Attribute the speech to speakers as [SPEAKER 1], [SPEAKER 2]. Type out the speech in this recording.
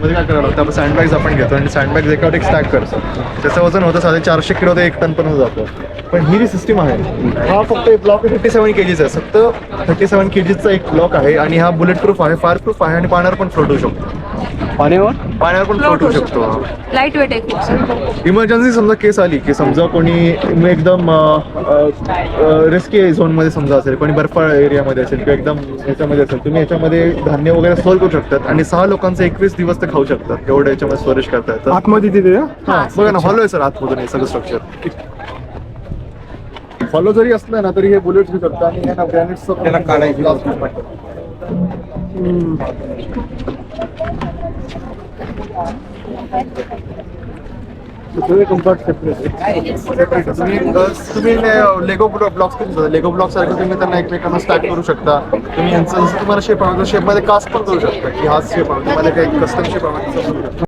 [SPEAKER 1] त्याच्यामध्ये काय करावं लागतं, आपण सँडबॅग्स आपण घेतो आणि सँडबॅग्स एकावर एक स्टॅक करतो. त्याचं वजन होतं साधे 400 किलो ते 1 टन पर्यंत जातं. पण ही जी सिस्टीम आहे हा फक्त एक ब्लॉक 37 kgs आहे, फक्त 37 kgsचा एक ब्लॉक आहे आणि हा बुलेट प्रूफ आहे, फायर प्रूफ आहे आणि पाण्यावर पण फ्लोट होऊ शकतो. पाण्यावर पण फ्लोट होऊ शकतो.
[SPEAKER 2] लाईट वेट आहे खूप.
[SPEAKER 1] इमर्जन्सी समजा केस आली की समजा कोणी एकदम रिस्की झोनमध्ये समजा असेल, कोणी बर्फाळ एरियामध्ये असेल किंवा एकदम ह्याच्यामध्ये असेल, तुम्ही याच्यामध्ये धान्य वगैरे स्टोअर करू शकतात आणि 6 लोकांचे 21 दिवस ते खाऊ शकतात. एवढं याच्यामध्ये स्टोरेज करता येतं
[SPEAKER 3] आतमध्ये तिथे
[SPEAKER 1] हा. बघा ना, हॉलो आहे सर आतमधून हे सगळं स्ट्रक्चर. हॉलो जरी असलं ना तरी हे बुलेट्स घेऊ शकतात आणि हे ना ग्रॅनाइट्सचं त्याला काढायची तुम्ही लेगो ब्लॉक्स करू शकता. लेगो ब्लॉक सारखं तुम्ही त्यांना एकमेकांना स्टॅक करू शकता. तुम्ही यांचं जसं तुम्हाला शेप आवडतो शेपमध्ये कास्ट पण करू शकता की हा शेप आवडतो, तुम्हाला काही कस्टम शेप आवडतो.